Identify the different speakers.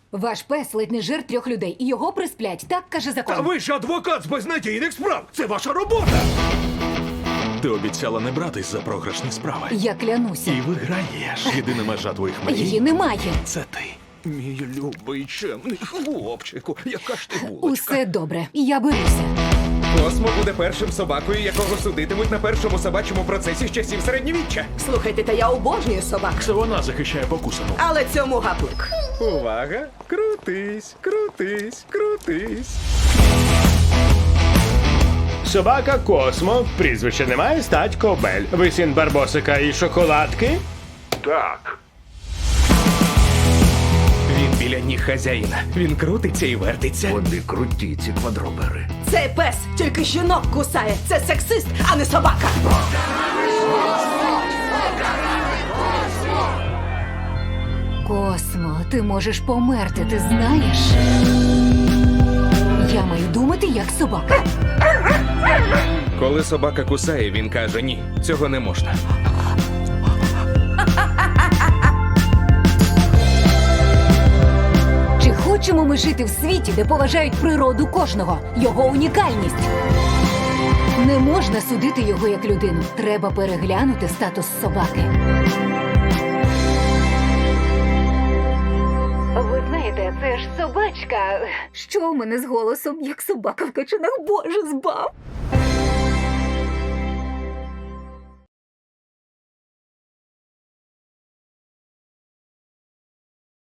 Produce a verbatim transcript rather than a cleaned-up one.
Speaker 1: Ваш пес ледь не жир трьох людей, і його присплять. Так каже закон.
Speaker 2: Та ви ж адвокат з безнадійних справ! Це ваша робота!
Speaker 3: Ти обіцяла не братись за програшні справи.
Speaker 1: Я клянуся.
Speaker 3: І виграєш. Єдина межа твоїх мрій
Speaker 1: Її немає.
Speaker 3: – це ти.
Speaker 2: Мій любий чемний хлопчику, яка ж ти булочка.
Speaker 1: Усе добре. Я беруся.
Speaker 2: Космо буде першим собакою, якого судитимуть на першому собачому процесі з часів середньовіччя.
Speaker 4: Слухайте, та я обожнюю собак.
Speaker 3: Це вона захищає покусану.
Speaker 4: Але цьому гаплик.
Speaker 2: Увага! Крутись, крутись, крутись.
Speaker 5: Собака Космо, прізвище немає, стать Кобель. Ви син Барбосика і шоколадки?
Speaker 3: Так.
Speaker 2: Він біля ніг хазяїна. Він крутиться і вертиться.
Speaker 6: Вони круті, ці квадробери.
Speaker 4: Цей пес тільки жінок кусає. Це сексист, а не собака.
Speaker 1: Космо, ти можеш померти, ти знаєш? Я маю думати, як собака.
Speaker 2: Коли собака кусає, він каже: ні, цього не можна.
Speaker 1: Чи хочемо ми жити в світі, де поважають природу кожного, його унікальність? Не можна судити його як людину. Треба переглянути статус собаки. Ви знаєте, це ж собачка. Що у мене з голосом, як собака в качанах? Боже, збав!